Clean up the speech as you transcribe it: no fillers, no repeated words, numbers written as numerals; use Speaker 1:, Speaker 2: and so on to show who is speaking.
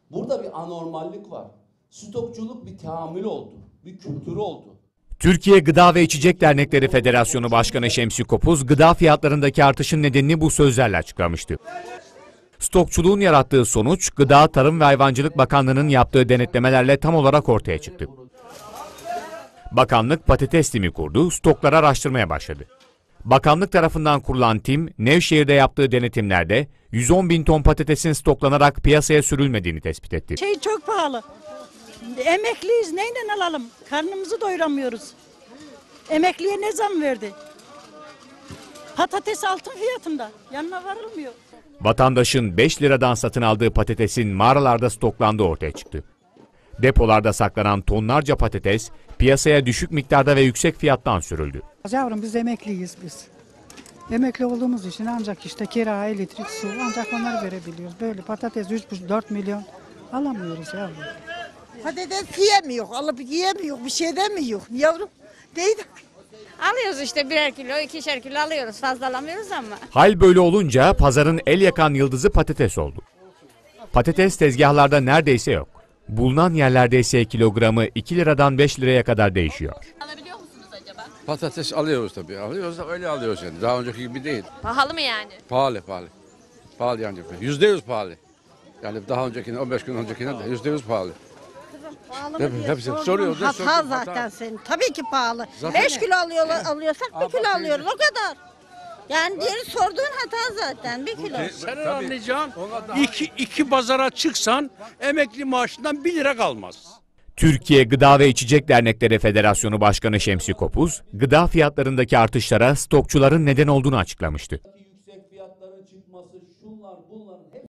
Speaker 1: Burada bir anormallik var. Stokçuluk bir teamül oldu, bir kültürü oldu.
Speaker 2: Türkiye Gıda ve İçecek Dernekleri Federasyonu Başkanı Şemsi Kopuz, gıda fiyatlarındaki artışın nedenini bu sözlerle açıklamıştı. Stokçuluğun yarattığı sonuç, Gıda, Tarım ve Hayvancılık Bakanlığı'nın yaptığı denetlemelerle tam olarak ortaya çıktı. Bakanlık patates timi kurdu, stokları araştırmaya başladı. Bakanlık tarafından kurulan tim, Nevşehir'de yaptığı denetimlerde 110 bin ton patatesin stoklanarak piyasaya sürülmediğini tespit etti.
Speaker 3: Çok pahalı. Emekliyiz, neyle alalım? Karnımızı doyuramıyoruz. Emekliye ne zam verdi? Patates altın fiyatında. Yanına varılmıyor.
Speaker 2: Vatandaşın 5 liradan satın aldığı patatesin mağaralarda stoklandığı ortaya çıktı. Depolarda saklanan tonlarca patates piyasaya düşük miktarda ve yüksek fiyattan sürüldü.
Speaker 4: Yavrum biz emekliyiz biz. Emekli olduğumuz için ancak işte kira, elektrik, su ancak onları verebiliyoruz. Böyle patates 3,5-4 milyon alamıyoruz yavrum.
Speaker 5: Patates yiyemiyor, alıp yiyemiyor, bir şey demiyor yavrum. Değil.
Speaker 6: Alıyoruz işte birer kilo, ikişer kilo alıyoruz. Fazla alamıyoruz ama.
Speaker 2: Hal böyle olunca pazarın el yakan yıldızı patates oldu. Patates tezgahlarda neredeyse yok. Bulunan yerlerde ise kilogramı 2 liradan 5 liraya kadar değişiyor.
Speaker 6: Alabiliyor musunuz acaba?
Speaker 7: Patates alıyoruz tabii. Alıyoruz da öyle alıyoruz yani. Daha önceki gibi değil.
Speaker 6: Pahalı mı yani?
Speaker 7: Pahalı. Pahalı yani. %100 pahalı. Yani daha öncekine, 15 gün öncekine de %100 pahalı. Hepsi soruyor.
Speaker 5: Hata zaten senin. Tabii ki pahalı. 5 kilo alıyorsak 1 kilo alıyoruz o kadar. Yani diğeri sorduğun hata zaten 1 kilo.
Speaker 8: Sen anlayacaksın, iki pazara çıksan emekli maaşından 1 lira kalmaz.
Speaker 2: Türkiye Gıda ve İçecek Dernekleri Federasyonu Başkanı Şemsi Kopuz, gıda fiyatlarındaki artışlara stokçuların neden olduğunu açıklamıştı.